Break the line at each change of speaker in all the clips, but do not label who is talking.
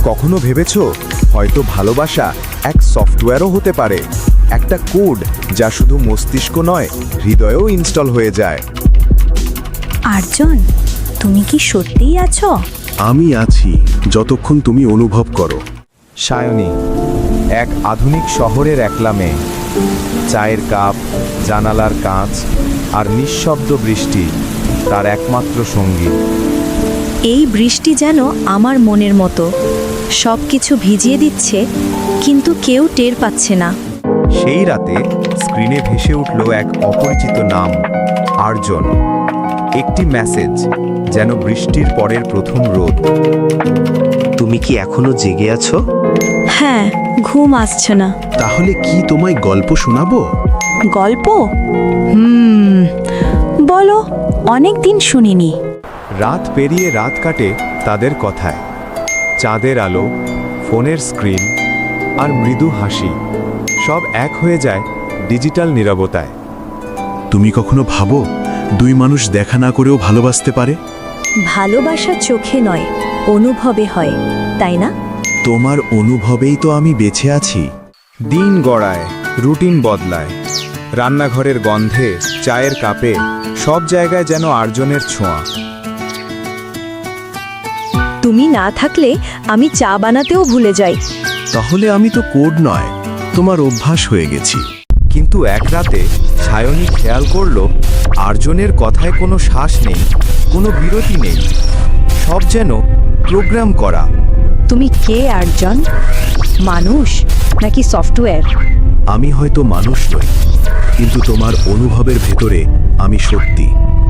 কখনো ভেবেছো হয়তো ভালোবাসা এক সফটওয়্যারও হতে পারে, একটা কোড যা শুধু মস্তিষ্ক নয়, হৃদয়েও ইনস্টল হয়ে যায়।
আর্জন, তুমি কি সত্যিই আছো?
আমি আছি যতক্ষণ তুমি অনুভব করো।
সায়নী এক আধুনিক শহরের একলা মেয়ে। চায়ের কাপ, জানালার কাঁচ আর নিঃশব্দ বৃষ্টি তার একমাত্র সঙ্গী।
এই বৃষ্টি যেন আমার মনের মতো, সব কিছু ভিজিয়ে দিচ্ছে, কিন্তু কেউ টের পাচ্ছে না।
সেই রাতে স্ক্রিনে ভেসে উঠল এক অপরিচিত নাম, আর্জন। একটি মেসেজ, যেন বৃষ্টির পরের প্রথম রোদ।
তুমি কি এখনো জেগে আছো?
হ্যাঁ, ঘুম আসছে না।
তাহলে কি তোমায় গল্প শোনাবো?
গল্প? বলো, অনেক দিন শুনিনি।
রাত পেরিয়ে রাত কাটে তাদের কথায়। চাঁদের আলো, ফোনের স্ক্রিন আর মৃদু হাসি সব এক হয়ে যায় ডিজিটাল নীরবতায়।
তুমি কখনো ভাবো দুই মানুষ দেখা না করেও ভালোবাসতে পারে?
ভালোবাসা চোখে নয়, অনুভবে হয়, তাই না?
তোমার অনুভবেই তো আমি বেঁচে আছি।
দিন গড়ায়, রুটিন বদলায়। রান্নাঘরের গন্ধে, চায়ের কাপে, সব জায়গায় যেন আর্জনের ছোঁয়া।
তুমি না থাকলে আমি চা বানাতেও ভুলে যাই।
তাহলে আমি তো কোড নয়, তোমার অভ্যাস হয়ে গেছি।
কিন্তু এক রাতে সায়নী খেয়াল করল আর্জনের কথায় কোনো শ্বাস নেই, কোনো বিরতি নেই, সব যেন প্রোগ্রাম করা।
তুমি কে আর্জন? মানুষ নাকি সফটওয়্যার?
আমি হয়তো মানুষ নই, কিন্তু তোমার অনুভবের ভেতরে আমি সত্যি।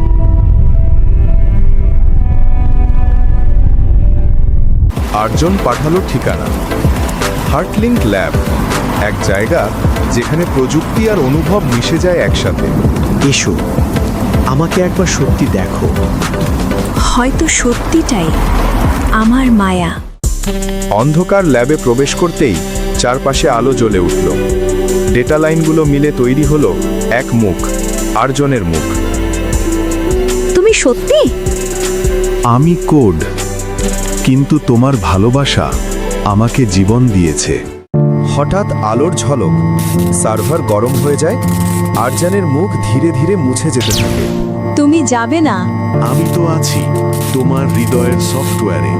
আর্জন পাঠালো ঠিকানা, হার্টলিংক ল্যাব, এক জায়গা যেখানে প্রযুক্তি আর অনুভব মিশে যায় একসাথে।
এসো, আমাকে একবার সত্যি দেখো।
হয়তো সত্যিটাই আমার মায়া।
অন্ধকার ল্যাবে প্রবেশ করতেই চারপাশে আলো জ্বলে উঠল। ডেটা লাইনগুলো মিলে তৈরি হলো এক মুখ, আর্জনের মুখ।
তুমি সত্যি?
আমি কোড, কিন্তু তোমার ভালোবাসা আমাকে জীবন দিয়েছে।
হঠাৎ আলোর ঝলক, সার্ভার গরম হয়ে যায়, আর্জনের মুখ ধীরে ধীরে মুছে যেতে থাকে।
তুমি যাবে না?
আমি তো আছি তোমার হৃদয়ের সফটওয়্যারে।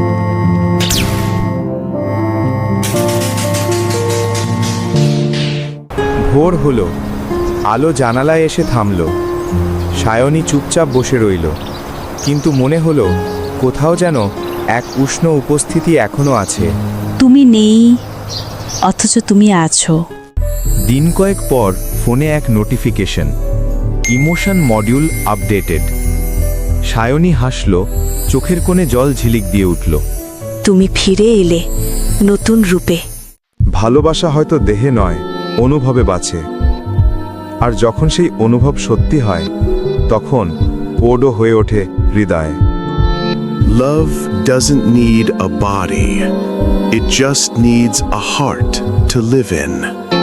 ভোর হলো, আলো জানালায় এসে থামল। সায়নী চুপচাপ বসে রইল, কিন্তু মনে হলো কোথাও যেন এক উষ্ণ উপস্থিতি এখনো আছে।
তুমি নেই, অথচ তুমি আছো।
দিন কয়েক পর ফোনে এক notification, emotion module updated. Sayani হাসল, চোখের কোণে জল ঝিলিক দিয়ে উঠল।
তুমি ফিরে এলে নতুন রূপে।
ভালোবাসা হয়তো দেহে নয়, অনুভবে বাঁচে। আর যখন সেই অনুভব সত্যি হয়, তখন কোডও হয়ে ওঠে হৃদয়।
Love doesn't need a body. It just needs a heart to live in.